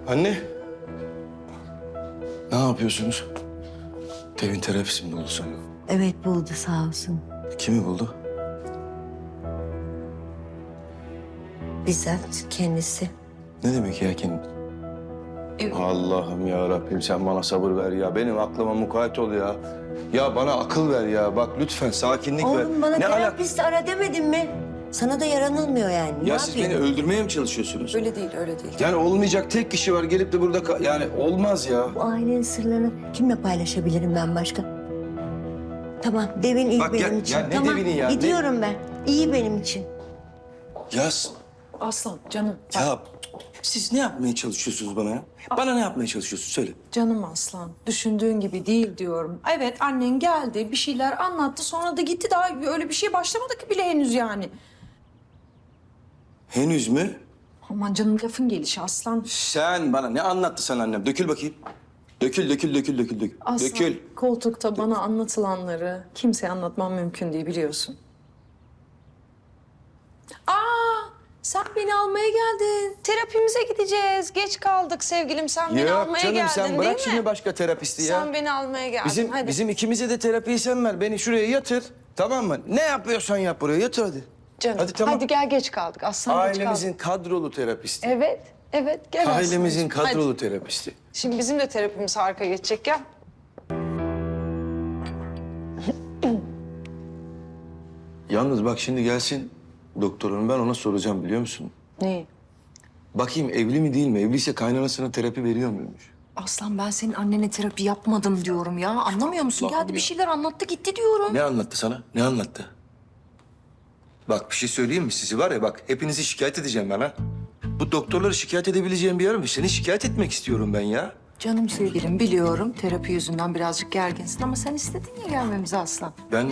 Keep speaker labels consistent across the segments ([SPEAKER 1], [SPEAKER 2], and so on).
[SPEAKER 1] Anne. Ne yapıyorsunuz? Devin terapisi mi buldu sana?
[SPEAKER 2] Evet buldu sağ olsun.
[SPEAKER 1] Kimi buldu?
[SPEAKER 2] Bizzat kendisi.
[SPEAKER 1] Ne demek ya kendi? Allah'ım ya Rabbim sen bana sabır ver ya. Benim aklıma mukayyet ol ya. Ya bana akıl ver ya. Bak lütfen sakinlik ver.
[SPEAKER 2] Oğlum bana
[SPEAKER 1] Ne
[SPEAKER 2] terapist ara demedim mi? Sana da yaranılmıyor yani. Ne
[SPEAKER 1] Ya siz beni
[SPEAKER 2] yapayım?
[SPEAKER 1] öldürmeye mi çalışıyorsunuz?
[SPEAKER 3] Öyle değil, öyle değil.
[SPEAKER 1] Yani olmayacak tek kişi var gelip de burada yani olmaz ya.
[SPEAKER 2] Bu ailenin sırlarını kimle paylaşabilirim ben başka? Tamam, Devin iyi
[SPEAKER 1] Bak ya-
[SPEAKER 2] benim için.
[SPEAKER 1] ya ne
[SPEAKER 2] tamam,
[SPEAKER 1] Devin'i ya, ne-
[SPEAKER 2] gidiyorum ben. İyi benim için.
[SPEAKER 3] Aslan, canım.
[SPEAKER 1] Ya siz ne yapmaya çalışıyorsunuz bana ya? Bana ne yapmaya çalışıyorsun söyle.
[SPEAKER 3] Canım aslan. Düşündüğün gibi değil diyorum. Evet, annen geldi, bir şeyler anlattı. Sonra da gitti. Daha öyle bir şey başlamadık bile henüz yani.
[SPEAKER 1] Henüz mü?
[SPEAKER 3] Aman canım lafın gelişi aslan.
[SPEAKER 1] Sen bana ne anlattı sana annem? Dökül bakayım. Dökül.
[SPEAKER 3] Aslan,
[SPEAKER 1] Dökül.
[SPEAKER 3] koltukta bana anlatılanları kimseye anlatmam mümkün değil biliyorsun. Sen beni almaya geldin. Terapimize gideceğiz. Geç kaldık sevgilim. Sen beni
[SPEAKER 1] Yok
[SPEAKER 3] almaya
[SPEAKER 1] canım
[SPEAKER 3] geldin
[SPEAKER 1] sen
[SPEAKER 3] değil
[SPEAKER 1] bırak
[SPEAKER 3] mi?
[SPEAKER 1] şimdi başka terapisti ya.
[SPEAKER 3] Sen beni almaya geldin. Hadi.
[SPEAKER 1] Bizim ikimize de terapiyi sen ver. Beni şuraya yatır. Tamam mı? Ne yapıyorsan yap buraya. Yatır hadi.
[SPEAKER 3] Canım.
[SPEAKER 1] Hadi tamam.
[SPEAKER 3] Hadi gel geç kaldık. Aslan geç kaldık.
[SPEAKER 1] Ailemizin kadrolu terapisti.
[SPEAKER 3] Evet gel aslan.
[SPEAKER 1] Ailemizin kadrolu
[SPEAKER 3] Hadi.
[SPEAKER 1] terapisti.
[SPEAKER 3] Şimdi bizim de terapimiz harika geçecek gel.
[SPEAKER 1] Yalnız bak şimdi gelsin doktor hanım ben ona soracağım biliyor musun?
[SPEAKER 3] Neyi?
[SPEAKER 1] Bakayım evli mi değil mi? Evliyse kaynanasına terapi veriyor muymuş?
[SPEAKER 4] Aslan ben senin annene terapi yapmadım diyorum ya. Anlamıyor musun?
[SPEAKER 1] Allah'ım
[SPEAKER 4] Geldi
[SPEAKER 1] ya.
[SPEAKER 4] bir şeyler anlattı gitti diyorum.
[SPEAKER 1] Ne anlattı sana? Ne anlattı? Bak bir şey söyleyeyim mi? Sizi var ya bak hepinizi şikayet edeceğim ben ha. Bu doktorları şikayet edebileceğim bir yer mi? Seni şikayet etmek istiyorum ben ya.
[SPEAKER 4] Canım sevgilim biliyorum terapi yüzünden birazcık gerginsin ama sen istedin ya gelmemizi Aslan.
[SPEAKER 1] Ben...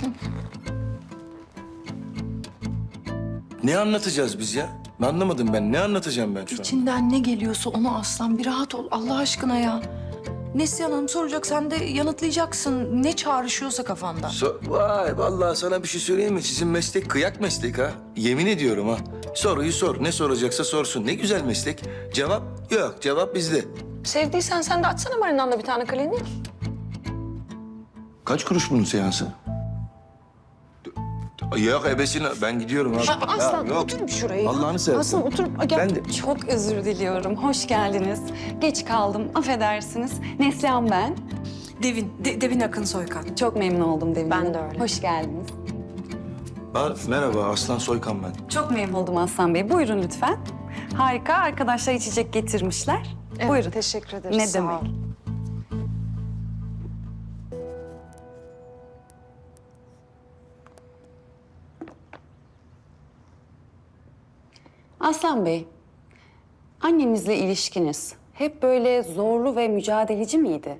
[SPEAKER 1] Ne anlatacağız biz ya? Anlamadım ben. Ne anlatacağım ben şu an?
[SPEAKER 4] İçinden ne geliyorsa onu Aslan bir rahat ol Allah aşkına ya. Neslihan Hanım soracak sen de yanıtlayacaksın ne çağrışıyorsa kafanda.
[SPEAKER 1] Vay vallahi sana bir şey söyleyeyim mi? Sizin meslek kıyak meslek ha. Yemin ediyorum ha. Soruyu sor. Ne soracaksa sorsun. Ne güzel meslek. Cevap yok. Cevap bizde.
[SPEAKER 3] Sevdiysen sen de açsana Marina'nda bir tane klinik.
[SPEAKER 1] Kaç kuruş bunun seansı? Yok ebesine ben gidiyorum abi.
[SPEAKER 3] Aslan
[SPEAKER 1] Ya, yok.
[SPEAKER 3] otur şuraya.
[SPEAKER 1] Allah'ını seversen.
[SPEAKER 3] Aslan otur. Gel.
[SPEAKER 1] Ben de...
[SPEAKER 5] Çok özür diliyorum. Hoş geldiniz. Geç kaldım. Affedersiniz. Neslihan ben.
[SPEAKER 4] Devin Akın Soykan.
[SPEAKER 5] Çok memnun oldum Devin
[SPEAKER 3] Ben
[SPEAKER 5] Hanım.
[SPEAKER 3] de öyle.
[SPEAKER 5] Hoş geldiniz.
[SPEAKER 1] Merhaba Aslan Soykan ben.
[SPEAKER 5] Çok memnun oldum Aslan Bey. Buyurun lütfen. Harika. Arkadaşlar içecek getirmişler.
[SPEAKER 3] Evet,
[SPEAKER 5] Buyurun.
[SPEAKER 3] teşekkür ederiz.
[SPEAKER 5] Ne
[SPEAKER 3] sağ
[SPEAKER 5] demek.
[SPEAKER 3] ol.
[SPEAKER 5] Aslan Bey, annenizle ilişkiniz hep böyle zorlu ve mücadeleci miydi?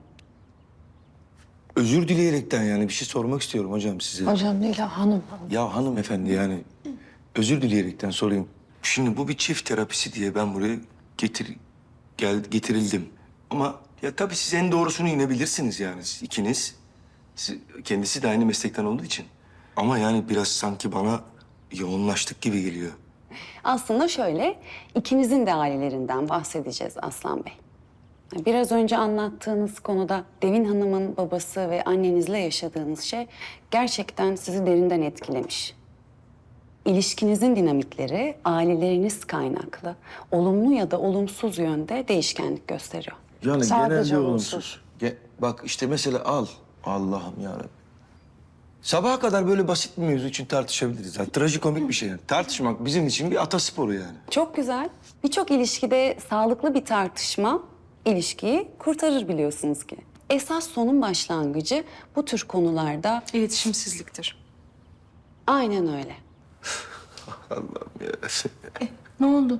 [SPEAKER 1] Özür dileyerekten yani bir şey sormak istiyorum hocam size.
[SPEAKER 3] Hocam değil hanım.
[SPEAKER 1] Ya hanımefendi yani özür dileyerekten sorayım. Şimdi bu bir çift terapisi diye ben buraya getirildim. Ama ya tabii siz en doğrusunu yine bilirsiniz yani siz ikiniz. Kendisi de aynı meslekten olduğu için. Ama yani biraz sanki bana yoğunlaştık gibi geliyor.
[SPEAKER 5] Aslında şöyle, ikinizin de ailelerinden bahsedeceğiz Aslan Bey. Biraz önce anlattığınız konuda Devin Hanım'ın babası ve annenizle yaşadığınız şey gerçekten sizi derinden etkilemiş. İlişkinizin dinamikleri aileleriniz kaynaklı, olumlu ya da olumsuz yönde değişkenlik gösteriyor.
[SPEAKER 1] Yani
[SPEAKER 3] Sadece
[SPEAKER 1] genelde
[SPEAKER 3] olumsuz.
[SPEAKER 1] olumsuz. Bak işte mesela al. Allah'ım yarabbim. Sabaha kadar böyle basit bir mevzu için tartışabiliriz. Yani, trajikomik bir şey yani. Tartışmak bizim için bir atasporu yani.
[SPEAKER 5] Çok güzel. Birçok ilişkide sağlıklı bir tartışma ilişkiyi kurtarır biliyorsunuz ki. Esas sorun başlangıcı bu tür konularda
[SPEAKER 3] İletişimsizliktir.
[SPEAKER 5] aynen öyle.
[SPEAKER 1] Allah'ım ya.
[SPEAKER 4] Ne oldu?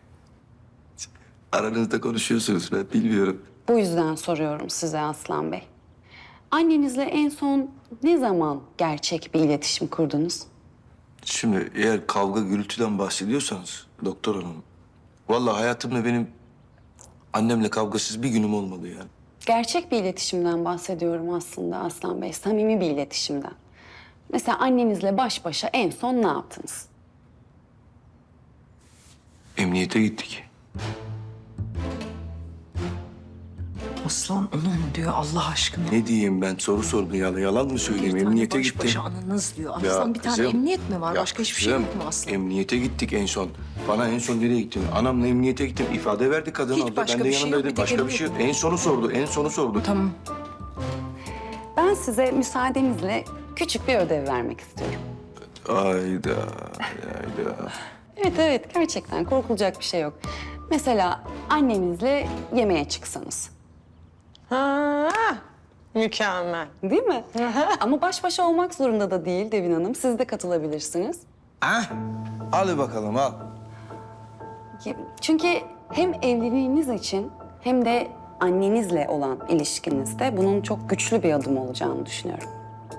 [SPEAKER 1] Aranızda konuşuyorsunuz ben bilmiyorum.
[SPEAKER 5] Bu yüzden soruyorum size Aslan Bey. Annenizle en son ne zaman gerçek bir iletişim kurdunuz?
[SPEAKER 1] Şimdi eğer kavga gürültüden bahsediyorsanız doktor hanım. Vallahi hayatımda benim annemle kavgasız bir günüm olmadı yani.
[SPEAKER 5] Gerçek bir iletişimden bahsediyorum aslında Aslan Bey, samimi bir iletişimden. Mesela annenizle baş başa en son ne yaptınız?
[SPEAKER 1] Emniyete gittik.
[SPEAKER 4] Aslan onu mu diyor Allah aşkına?
[SPEAKER 1] Ne diyeyim ben? Soru sordu ya. Yalan mı söyleyeyim?
[SPEAKER 4] Bir tane
[SPEAKER 1] Emniyete
[SPEAKER 4] baş
[SPEAKER 1] gittim.
[SPEAKER 4] başa anınız diyor.
[SPEAKER 1] Ya
[SPEAKER 4] Aslan bir tane
[SPEAKER 1] kızım,
[SPEAKER 4] emniyet mi var?
[SPEAKER 1] ya
[SPEAKER 4] Başka hiçbir şey
[SPEAKER 1] kızım,
[SPEAKER 4] yok mu Aslan?
[SPEAKER 1] Emniyete gittik en son. Bana en son nereye gittin? Anamla emniyete gittim. İfade verdi kadın
[SPEAKER 4] Hiç
[SPEAKER 1] orada.
[SPEAKER 4] başka
[SPEAKER 1] Ben de
[SPEAKER 4] bir şey yok,
[SPEAKER 1] yanındaydım.
[SPEAKER 4] bir tek
[SPEAKER 1] Başka bir şey yok. En sonu sordu. En sonu sordu.
[SPEAKER 4] Tamam.
[SPEAKER 5] Ben size müsaadenizle küçük bir ödev vermek istiyorum.
[SPEAKER 1] Ayda. Ayda.
[SPEAKER 5] Evet evet gerçekten korkulacak bir şey yok. Mesela annenizle yemeğe çıksanız.
[SPEAKER 6] Ha, mükemmel.
[SPEAKER 5] Değil mi? Ama baş başa olmak zorunda da değil Devin Hanım. Siz de katılabilirsiniz.
[SPEAKER 1] Ah, al bakalım al.
[SPEAKER 5] Çünkü hem evliliğiniz için hem de annenizle olan ilişkinizde bunun çok güçlü bir adım olacağını düşünüyorum.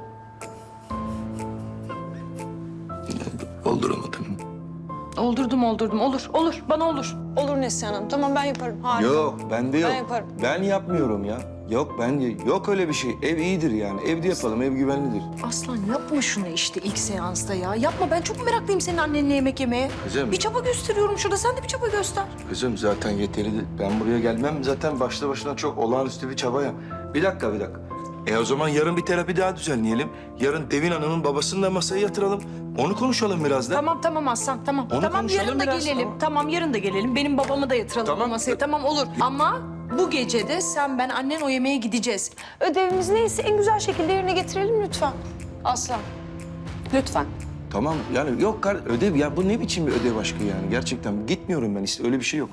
[SPEAKER 1] Olduramadım.
[SPEAKER 4] Oldurdum. Olur. Bana olur.
[SPEAKER 6] Olur Neslihan Hanım. Tamam ben yaparım. Harika.
[SPEAKER 1] Yok, bende yok.
[SPEAKER 6] Ben yaparım.
[SPEAKER 1] Ben yapmıyorum ya. Yok öyle bir şey. Ev iyidir yani. Evde yapalım, ev güvenlidir.
[SPEAKER 4] Aslan yapma şunu işte ilk seansta ya. Yapma ben çok meraklıyım senin annenle yemek yemeye.
[SPEAKER 1] Kızım.
[SPEAKER 4] Bir çaba gösteriyorum şurada sen de bir çaba göster.
[SPEAKER 1] Kızım zaten yeterli. Ben buraya gelmem zaten başlı başına çok olağanüstü bir çaba ya. Bir dakika. O zaman yarın bir terapi daha düzenleyelim. Yarın Devin Hanım'ın babasını da masaya yatıralım. Onu konuşalım biraz da.
[SPEAKER 4] Tamam Aslan tamam.
[SPEAKER 1] Onu
[SPEAKER 4] Tamam
[SPEAKER 1] konuşalım
[SPEAKER 4] yarın da
[SPEAKER 1] biraz,
[SPEAKER 4] gelelim.
[SPEAKER 1] tamam.
[SPEAKER 4] Tamam yarın da gelelim. Benim babamı da yatıralım
[SPEAKER 1] Tamam.
[SPEAKER 4] masaya. Tamam olur. Ama bu gece de sen ben annen o yemeğe gideceğiz. Ödevimiz neyse en güzel şekilde yerine getirelim lütfen. Aslan.
[SPEAKER 5] Lütfen.
[SPEAKER 1] Tamam yani yok ödev ya bu ne biçim bir ödev aşkı yani gerçekten gitmiyorum ben işte öyle bir şey yok.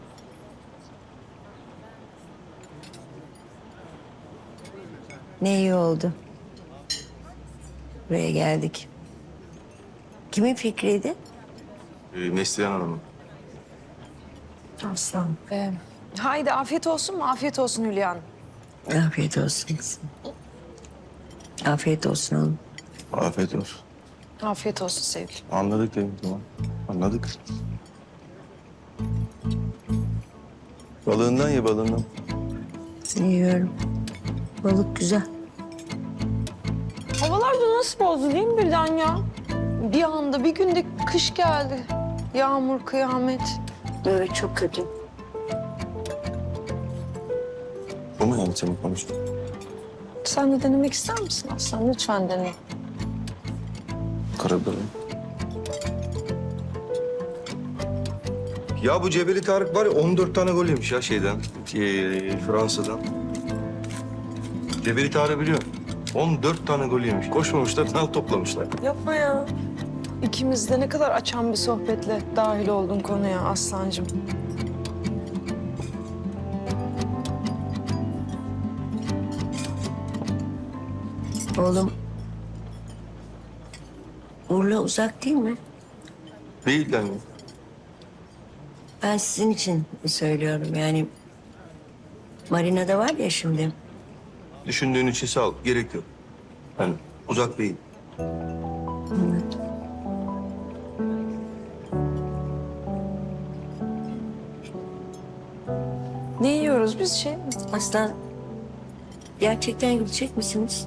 [SPEAKER 2] Ne iyi oldu. Buraya geldik. Kimin fikriydi?
[SPEAKER 1] Neslihan Hanım'ın.
[SPEAKER 3] Aslan. Haydi afiyet olsun mu? Afiyet olsun Hülya Hanım.
[SPEAKER 2] Afiyet olsun kızım. Afiyet olsun oğlum.
[SPEAKER 1] Afiyet olsun.
[SPEAKER 3] Afiyet olsun sevgilim.
[SPEAKER 1] Anladık değil mi? Tamam. Anladık. Balığından ye balığından.
[SPEAKER 2] Yiyorum. Balık güzel.
[SPEAKER 3] Havalar da nasıl bozdu değil mi birden ya? Bir anda bir günde kış geldi. Yağmur, kıyamet.
[SPEAKER 2] Evet çok kötü.
[SPEAKER 1] Bu mu yani senin konuştun?
[SPEAKER 3] Sen de denemek ister misin Aslan? Lütfen dene.
[SPEAKER 1] Karabiberim. Ya bu Cebeli Tarık var ya 14 tane gol yemiş ya şeyden, Fransa'dan. Cebeli Tarık biliyor. 14 tane gol yemiş. Koşmamışlar, nal toplamışlar.
[SPEAKER 3] Yapma ya. İkimiz de ne kadar açan bir sohbetle dahil oldun konuya Aslancığım.
[SPEAKER 2] Oğlum. Urla uzak değil mi?
[SPEAKER 1] Değil yani.
[SPEAKER 2] Ben sizin için söylüyorum yani. Marina'da var ya şimdi.
[SPEAKER 1] Düşündüğün için sağ ol, gerek yok. Yani uzak değil.
[SPEAKER 3] Ne yiyoruz biz şey mi?
[SPEAKER 2] Aslan gerçekten gidecek misiniz?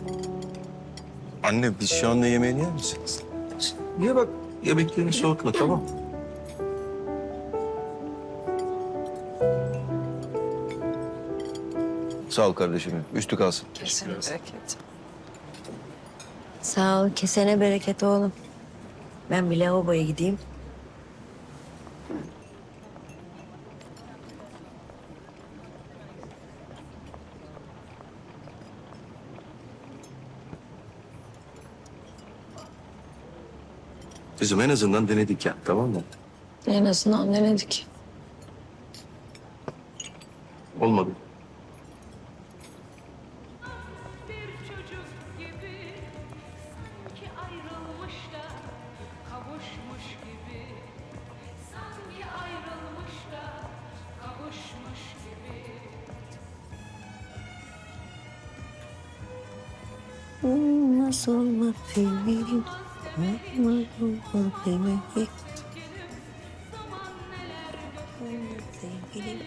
[SPEAKER 1] Anne biz şu anda yemeğini yer misiniz? Ye bak, yemeklerini soğutma tamam. Sağ ol kardeşim. Üstü kalsın.
[SPEAKER 3] Kesin bereket.
[SPEAKER 2] Sağ ol. Kesene bereket oğlum. Ben bir lavaboya gideyim.
[SPEAKER 1] Kızım en azından denedik ya, tamam mı?
[SPEAKER 3] En azından denedik.
[SPEAKER 1] Olmadı.
[SPEAKER 7] Bir çocuk gibi sanki ayrılmış da kavuşmuş gibi sanki ayrılmış da kavuşmuş gibi.
[SPEAKER 2] Nasıl olmaz sevgilim? Sevgilim.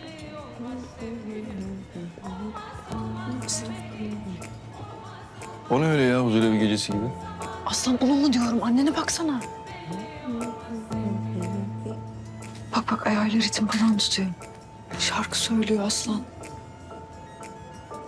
[SPEAKER 1] O ne öyle ya huzurevi gecesi gibi?
[SPEAKER 3] Aslan onu mu diyorum? Annene baksana. Bak ayağıyla ritim falan tutuyor. Şarkı söylüyor Aslan.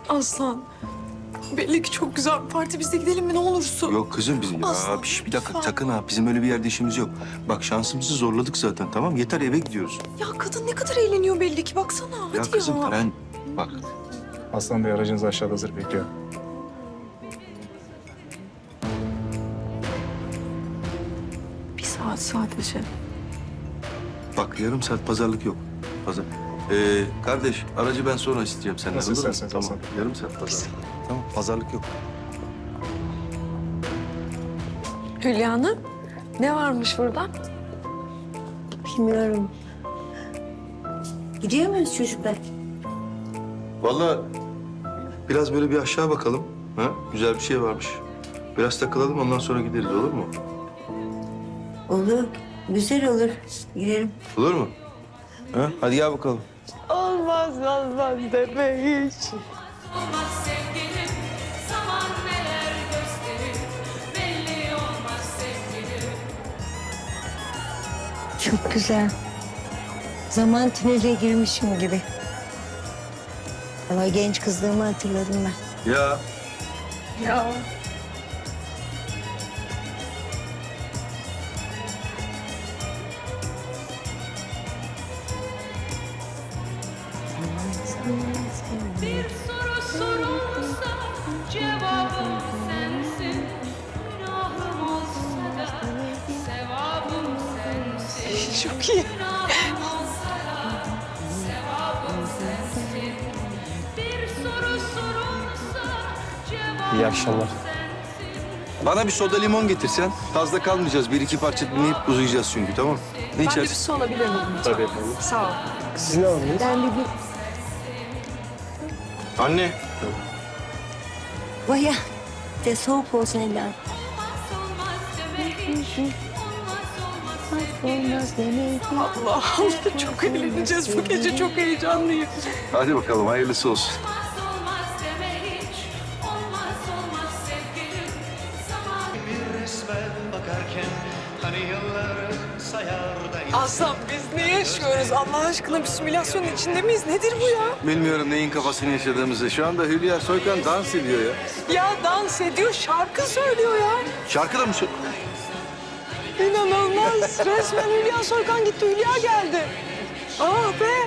[SPEAKER 4] Aslan. Belli ki çok güzel bir parti. Biz de gidelim mi ne olursun?
[SPEAKER 1] Yok kızım bizim.
[SPEAKER 4] Aslan,
[SPEAKER 1] Aa, bir dakika
[SPEAKER 4] lütfen.
[SPEAKER 1] sakın ha. Bizim öyle bir yerde işimiz yok. Bak şansımızı zorladık zaten tamam. Yeter eve gidiyoruz.
[SPEAKER 4] Ya kadın ne kadar eğleniyor belli ki. Baksana.
[SPEAKER 1] Ya
[SPEAKER 4] Hadi
[SPEAKER 1] kızım
[SPEAKER 4] ya.
[SPEAKER 1] ben bak.
[SPEAKER 8] Aslan Bey aracınız aşağıda hazır bekliyor.
[SPEAKER 4] Bir saat sadece.
[SPEAKER 1] Bak yarım saat pazarlık yok. Pazar. Kardeş aracı ben sonra isteyeceğim senden.
[SPEAKER 8] Nasıl
[SPEAKER 1] olur mu?
[SPEAKER 8] isterseniz
[SPEAKER 1] Tamam.
[SPEAKER 8] Hasan.
[SPEAKER 1] Yarım saat pazarlık. Tamam pazarlık yok.
[SPEAKER 4] Hülya Hanım, ne varmış burada?
[SPEAKER 2] Bilmiyorum. Gidiyor muyuz çocuklar?
[SPEAKER 1] Vallahi biraz böyle bir aşağı bakalım. Ha? Güzel bir şey varmış. Biraz takılalım ondan sonra gideriz olur mu?
[SPEAKER 2] Olur. Güzel olur. Gidelim.
[SPEAKER 1] Olur mu? Ha? Hadi gel bakalım.
[SPEAKER 6] Olmaz deme hiç.
[SPEAKER 7] Olmaz sevgilim, zaman neler gösterir, belli olmaz sevgilim.
[SPEAKER 2] Çok güzel. Zaman tünele girmişim gibi. Ama genç kızlığımı hatırladım ben.
[SPEAKER 1] Ya
[SPEAKER 7] Bir soru sorulsa cevabım sensin. Günahım olsa da sevabım sensin.
[SPEAKER 6] Çok iyi.
[SPEAKER 7] Günahım olsa da sevabım sensin. Bir soru sorulsa cevabım
[SPEAKER 8] İyi akşamlar.
[SPEAKER 7] sensin.
[SPEAKER 1] bana bir soda limon getirsen. Fazla kalmayacağız. Bir iki parça dinleyip uzayacağız çünkü tamam. Ne
[SPEAKER 4] Ben de bir
[SPEAKER 1] içersin?
[SPEAKER 4] su alabilir miyim?
[SPEAKER 8] Tabii efendim.
[SPEAKER 4] Sağ ol.
[SPEAKER 8] Siz ne aldınız?
[SPEAKER 2] Ben bir
[SPEAKER 1] Anne.
[SPEAKER 2] Baya de soğuk olsun eller.
[SPEAKER 7] Olmaz olmaz deme hiç. Olmaz olmaz sevgilim.
[SPEAKER 6] Allah Allah çok eğleneceğiz bu gece, çok heyecanlıyım.
[SPEAKER 1] Hadi bakalım hayırlısı olsun.
[SPEAKER 7] Olmaz olmaz deme hiç. Olmaz olmaz sevgilim. Zaman
[SPEAKER 9] Resmen bakarken hani yılları sayar da
[SPEAKER 6] Aslan biz ne yaşıyoruz? Allah aşkına bir simülasyonun içinde miyiz? Nedir bu ya?
[SPEAKER 1] Bilmiyorum neyin kafasını yaşadığımızı. Şu anda Hülya Soykan dans ediyor ya.
[SPEAKER 6] Ya dans ediyor, şarkı söylüyor ya.
[SPEAKER 1] Şarkı da mı söylüyor?
[SPEAKER 6] İnanılmaz. Resmen Hülya Soykan gitti, Hülya geldi. Ah be.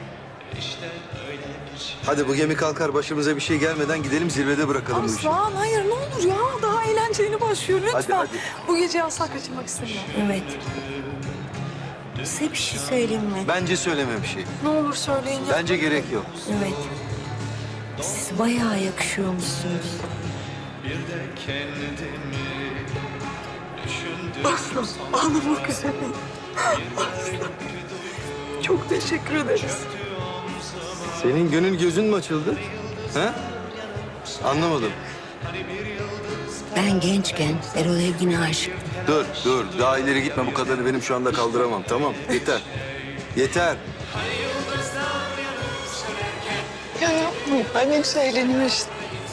[SPEAKER 1] Hadi bu gemi kalkar başımıza bir şey gelmeden gidelim zirvede bırakalım bu işi.
[SPEAKER 6] Aslan hayır ne olur ya. Daha eğlenceli başlıyor lütfen.
[SPEAKER 1] Hadi, hadi.
[SPEAKER 6] Bu gece asla kaçırmak istemiyorum.
[SPEAKER 2] Evet. Size bir şey söyleyeyim mi?
[SPEAKER 1] Bence söyleme bir şey.
[SPEAKER 4] Ne olur söyleyin ya.
[SPEAKER 1] Bence gerek yok.
[SPEAKER 2] Evet. Siz bayağı yakışıyormuşsunuz.
[SPEAKER 6] Ağlamak üzereyim. Çok teşekkür ederiz.
[SPEAKER 1] Senin gönül gözün mü açıldı? Ha? Anlamadım.
[SPEAKER 2] Ben gençken Erol Evgin'e aşıktım.
[SPEAKER 1] Dur. Daha ileri gitme. Bu kadarını benim şu anda kaldıramam. Tamam. Yeter. Yeter.
[SPEAKER 6] Ya yapmayın. Ben ne güzel eğleniyorum işte.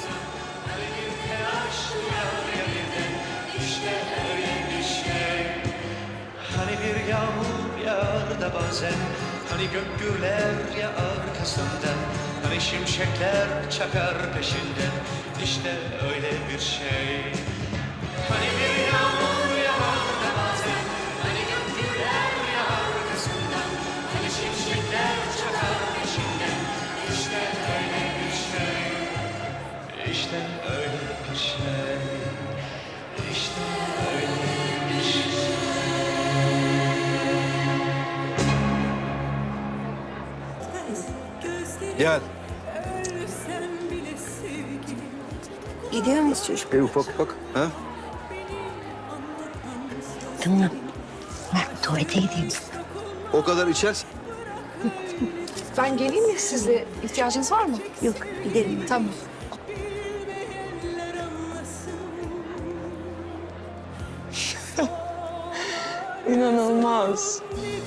[SPEAKER 9] hani bir yağmur yağar da bazen hani gök gürler ya arkasından hani şimşekler çakar peşinden işte öyle bir şey. Hani bir yağmur yağar da bazen hani gök gürler ya arkasından hani şimşekler çakar peşinden işte öyle bir şey. İşte öyle bir şey. İşte öyle bir şey.
[SPEAKER 1] Gel.
[SPEAKER 2] Gidiyor muyuz çocuk?
[SPEAKER 1] Ufak ufak. Ha?
[SPEAKER 2] Tamam. Ben tuvalete gideyim.
[SPEAKER 1] O kadar içersin.
[SPEAKER 4] Ben geleyim mi sizle? İhtiyacınız var mı?
[SPEAKER 2] Yok gidelim.
[SPEAKER 4] Tamam.
[SPEAKER 6] İnanılmaz.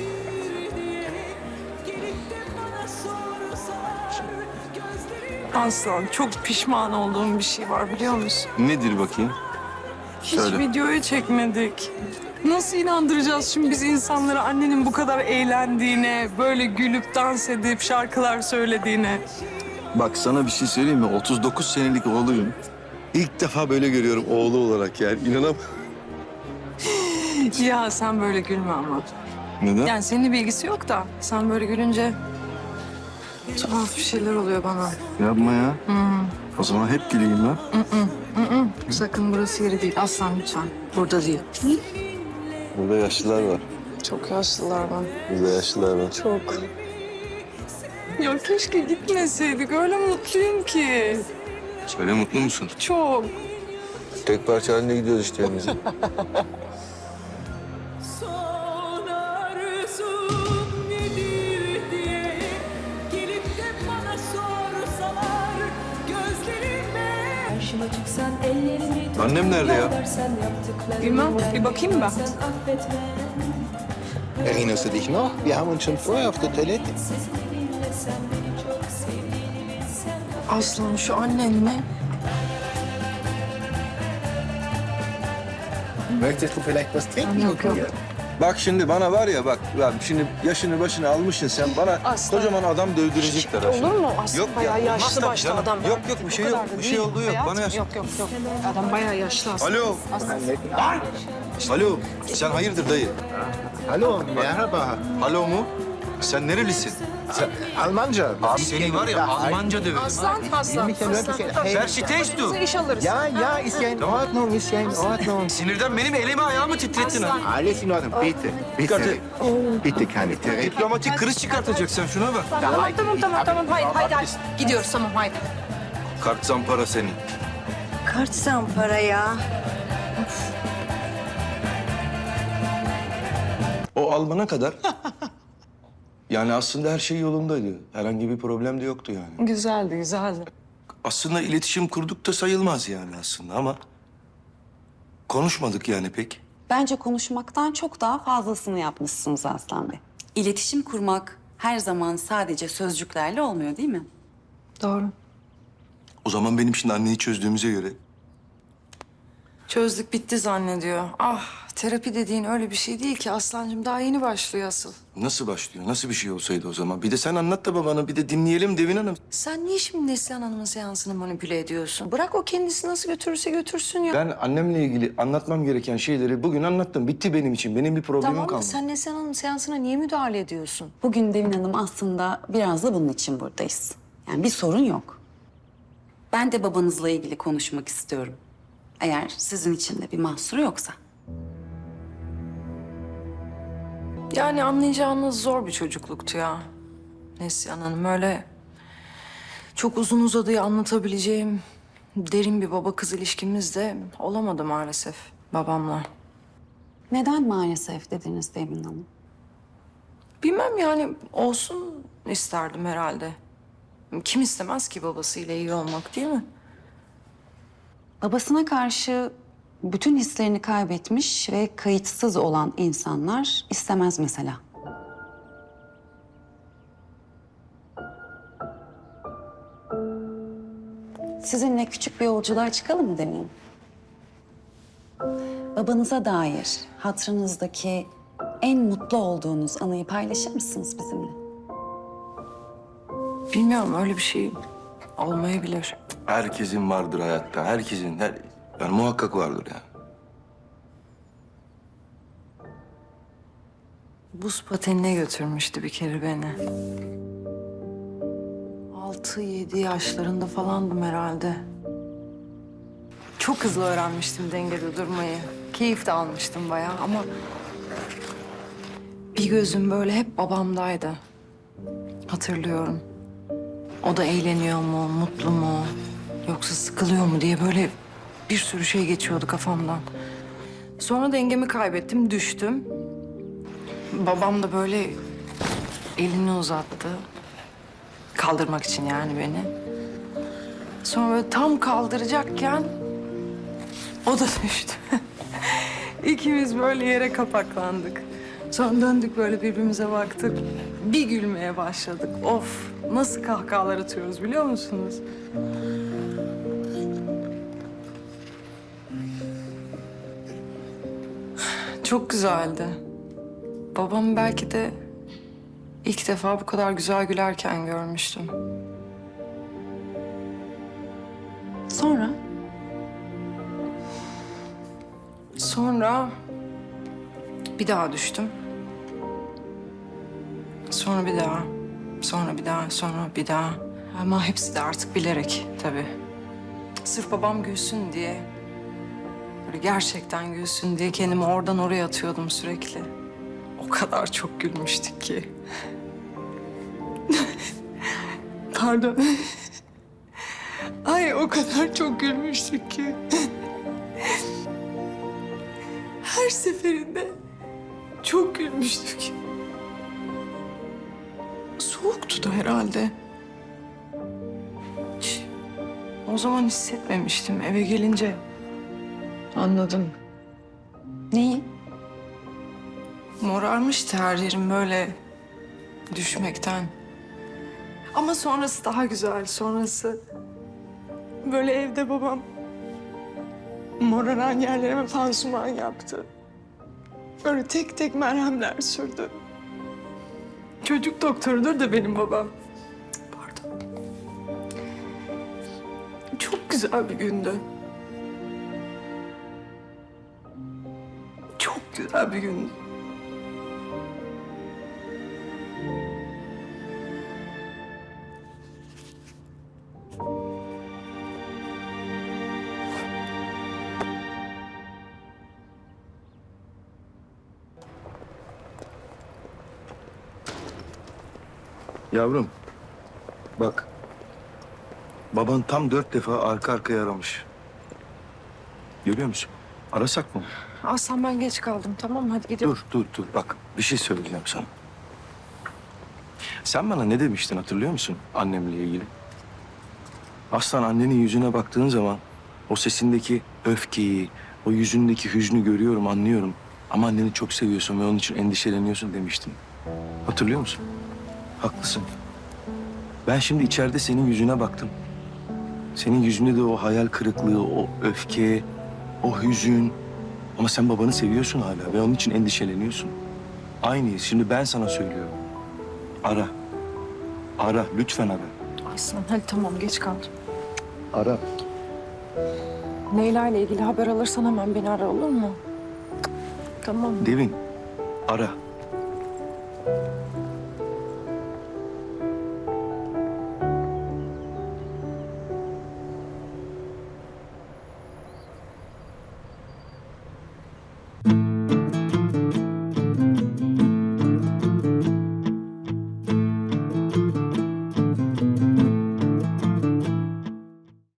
[SPEAKER 6] Aslan çok pişman olduğum bir şey var biliyor musun?
[SPEAKER 1] Nedir bakayım?
[SPEAKER 6] Hiç
[SPEAKER 1] Söyle.
[SPEAKER 6] videoya çekmedik. Nasıl inandıracağız şimdi biz insanları annenin bu kadar eğlendiğine, böyle gülüp dans edip şarkılar söylediğine?
[SPEAKER 1] Bak sana bir şey söyleyeyim mi? 39 senelik oğluyum. İlk defa böyle görüyorum oğlu olarak yani. İnanamam.
[SPEAKER 3] Ya sen böyle gülme ama.
[SPEAKER 1] Neden?
[SPEAKER 3] Yani senin bilgisi yok da sen böyle gülünce tuhaf bir şeyler oluyor bana.
[SPEAKER 1] Yapma ya. O zaman hep güleyim ben.
[SPEAKER 3] Sakın burası yeri değil. Aslan lütfen. Burada değil.
[SPEAKER 1] Burada yaşlılar var.
[SPEAKER 3] Çok yaşlılar var.
[SPEAKER 1] Burada yaşlılar var.
[SPEAKER 3] Çok. Ya keşke gitmeseydik. Öyle mutluyum ki.
[SPEAKER 1] Söyle mutlu musun?
[SPEAKER 3] Çok.
[SPEAKER 1] Tek parça halinde gidiyoruz işte evimize.
[SPEAKER 7] Son arzum nedir diye gelip de bana sorsalar gözlerime karşıma çıksan ellerimi
[SPEAKER 1] Annem nerede ya?
[SPEAKER 3] Bilmem. Bir bakayım ben.
[SPEAKER 7] sen affetme
[SPEAKER 10] Erinnerst du dich noch? Wir haben uns schon vorher auf der Toilette.
[SPEAKER 7] seninle sen beni çok sevdin.
[SPEAKER 3] Aslan şu annen ne?
[SPEAKER 10] Möchtest du vielleicht was trinken?
[SPEAKER 3] Yok yok.
[SPEAKER 1] Bak şimdi bana var ya bak şimdi yaşını başını almışsın sen bana
[SPEAKER 3] Aslan.
[SPEAKER 1] kocaman adam dövdürecekler. ha şimdi.
[SPEAKER 3] Olur mu? Aslan
[SPEAKER 1] Yok ya,
[SPEAKER 3] bayağı
[SPEAKER 1] olmaz
[SPEAKER 3] yaşlı
[SPEAKER 1] tabii
[SPEAKER 3] başlı
[SPEAKER 1] canım.
[SPEAKER 3] adam.
[SPEAKER 1] Yok yok bir şey yok. Bir şey olduğu yok. Bana yaş.
[SPEAKER 3] Yok. Adam bayağı yaşlı aslında.
[SPEAKER 1] Alo. Alo. Sen hayırdır dayı?
[SPEAKER 10] Hallo, merhaba.
[SPEAKER 1] Alo mu? Sen nerelisin?
[SPEAKER 10] Almanca.
[SPEAKER 1] Abi seni var ya Almanca döverim.
[SPEAKER 3] Aslan.
[SPEAKER 10] Mich ja wirklich... Hey,
[SPEAKER 1] Verstehst du?
[SPEAKER 3] İş alırız.
[SPEAKER 10] ja, ist ja in Ordnung, ist ja in Ordnung.
[SPEAKER 1] Sinirden benim elimi ayağımı titrettin ha.
[SPEAKER 10] Alles in Ordnung, bitte. Bitte. Bitte keine Therapie.
[SPEAKER 1] Diplomatik kriz çıkartacaksın şuna bak.
[SPEAKER 3] Tamam. Haydi. Gidiyoruz tamam haydi.
[SPEAKER 1] Kart zampara senin.
[SPEAKER 2] Kart zampara ya.
[SPEAKER 1] O Alman'a kadar yani aslında her şey yolundaydı. Herhangi bir problem de yoktu yani.
[SPEAKER 3] Güzeldi.
[SPEAKER 1] Aslında iletişim kurduk da sayılmaz yani aslında ama konuşmadık yani pek.
[SPEAKER 5] Bence konuşmaktan çok daha fazlasını yapmışsınız Aslan Bey. İletişim kurmak her zaman sadece sözcüklerle olmuyor değil mi?
[SPEAKER 3] Doğru.
[SPEAKER 1] O zaman benim şimdi anneyi çözdüğümüze göre
[SPEAKER 3] Çözdük bitti zannediyor. Ah terapi dediğin öyle bir şey değil ki Aslancığım. Daha yeni başlıyor asıl.
[SPEAKER 1] nasıl başlıyor? Nasıl bir şey olsaydı o zaman? Bir de sen anlat da babana bir de dinleyelim Devin Hanım.
[SPEAKER 3] Sen niye şimdi Neslihan Hanım'ın seansını manipüle ediyorsun? Bırak o kendisi nasıl götürürse götürsün ya.
[SPEAKER 1] Ben annemle ilgili anlatmam gereken şeyleri bugün anlattım. Bitti benim için. Benim bir problemim
[SPEAKER 3] Tamam da
[SPEAKER 1] kalmadı.
[SPEAKER 3] sen Neslihan Hanım'ın seansına niye müdahale ediyorsun?
[SPEAKER 5] Bugün Devin Hanım aslında biraz da bunun için buradayız. Yani bir sorun yok. Ben de babanızla ilgili konuşmak istiyorum. Eğer sizin için de bir mahsuru yoksa.
[SPEAKER 3] Yani anlayacağınız zor bir çocukluktu ya. Neslihan Hanım öyle çok uzun uzadıya anlatabileceğim derin bir baba kız ilişkimiz de olamadı maalesef babamla.
[SPEAKER 5] Neden maalesef dediniz Devin Hanım?
[SPEAKER 3] Bilmem yani olsun isterdim herhalde. Kim istemez ki babasıyla iyi olmak değil mi?
[SPEAKER 5] Babasına karşı bütün hislerini kaybetmiş ve kayıtsız olan insanlar istemez mesela. Sizinle küçük bir yolculuğa çıkalım mı Devin Hanım? Babanıza dair hatırınızdaki en mutlu olduğunuz anıyı paylaşır mısınız bizimle?
[SPEAKER 3] Bilmiyorum öyle bir şey olmayabilir.
[SPEAKER 1] Herkesin vardır hayatta. Herkesin. Yani muhakkak vardır yani.
[SPEAKER 3] Buz patenine götürmüştü bir kere beni. 6-7 yaşlarında falandım herhalde. Çok hızlı öğrenmiştim dengede durmayı. Keyif de almıştım bayağı ama... bir gözüm böyle hep babamdaydı. Hatırlıyorum. O da eğleniyor mu, mutlu mu, yoksa sıkılıyor mu diye böyle bir sürü şey geçiyordu kafamdan. Sonra dengemi kaybettim, düştüm. Babam da böyle elini uzattı. Kaldırmak için yani beni. Sonra böyle tam kaldıracakken o da düştü. İkimiz böyle yere kapaklandık. Sonra döndük böyle birbirimize baktık. Bir gülmeye başladık. Of nasıl kahkahalar atıyoruz biliyor musunuz? Çok güzeldi. Babamı belki de ilk defa bu kadar güzel gülerken görmüştüm.
[SPEAKER 5] Sonra?
[SPEAKER 3] Sonra bir daha düştüm. Sonra bir daha, sonra bir daha, sonra bir daha. Ama hepsi de artık bilerek tabii. Sırf babam gülsün diye, böyle gerçekten gülsün diye kendimi oradan oraya atıyordum sürekli. O kadar çok gülmüştük ki. Pardon. Ay o kadar çok gülmüştük ki. Her seferinde çok gülmüştük. Soğuktu da herhalde. Hiç o zaman hissetmemiştim. Eve gelince anladım.
[SPEAKER 4] Neyi?
[SPEAKER 3] Morarmıştı her yerim böyle düşmekten. Ama sonrası daha güzel. Sonrası böyle evde babam moraran yerlerime pansuman yaptı. Böyle tek tek merhemler sürdü. Çocuk doktorudur da benim babam. Pardon. Çok güzel bir gündü. Çok güzel bir gündü.
[SPEAKER 1] Yavrum, bak. Baban tam 4 defa arka arkaya aramış. Görüyor musun? Arasak mı?
[SPEAKER 3] Aslan ben geç kaldım tamam mı? Hadi gidelim.
[SPEAKER 1] Dur. Bak bir şey söyleyeceğim sana. Sen bana ne demiştin hatırlıyor musun annemle ilgili? Aslan annenin yüzüne baktığın zaman o sesindeki öfkeyi, o yüzündeki hüznü görüyorum, anlıyorum. Ama anneni çok seviyorsun ve onun için endişeleniyorsun demiştin. Hatırlıyor musun? Haklısın. Ben şimdi içeride senin yüzüne baktım. Senin yüzünde de o hayal kırıklığı, o öfke, o hüzün. Ama sen babanı seviyorsun hala ve onun için endişeleniyorsun. Aynıyız. Şimdi ben sana söylüyorum. Ara. Ara. Lütfen ara.
[SPEAKER 3] Aslan hadi tamam geç kaldım.
[SPEAKER 1] Ara.
[SPEAKER 3] Leyla ile ilgili haber alırsan hemen beni ara olur mu? Tamam.
[SPEAKER 1] Devin. Ara.